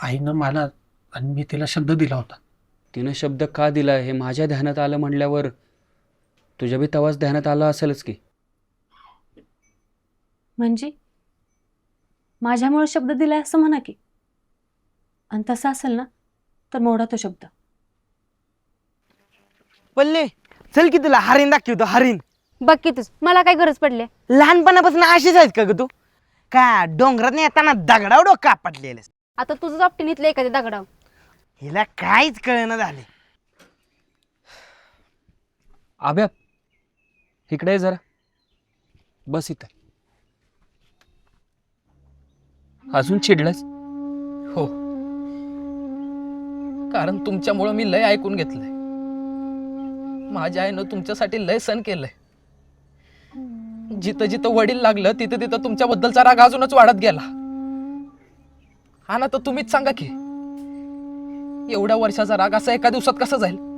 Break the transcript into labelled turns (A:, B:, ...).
A: आईनं मला आणि मी तिला शब्द दिला होता.
B: तिनं शब्द का दिला हे माझ्या ध्यानात आलं म्हणल्यावर तुझ्या बी तवाच ध्यानात आलं असेलच की.
C: म्हणजे माझ्यामुळे शब्द दिलाय असं म्हणा की. आणि तसं असेल ना तर मोडा तो शब्द.
D: पल्ले चल की तुला हरीण दाखवतो हरीण.
E: बघ की तूच मला काय गरज पडली.
D: लहानपणापासून अशीच आहेत का ग तू? का डोंगरात येताना दगडाव डोकं आपटलेलं.
E: आता तुझं आपटीन इथलं एखाद्या दगडाव.
D: हिला काहीच कळना झाले.
B: आब्या इकडे ये जरा, बस इथं. अजून चिडलास?
F: हो, कारण तुमच्यामुळं मी लय ऐकून घेतलंय. माझ्या आईनं तुमच्यासाठी लय सण केलंय. जिथं जिथं वडील लागलं तिथं तिथं तुमच्याबद्दलचा राग अजूनच वाढत गेला. हा ना, तर तुम्हीच सांगा की एवढ्या वर्षाचा राग असा एका दिवसात कसा जाईल?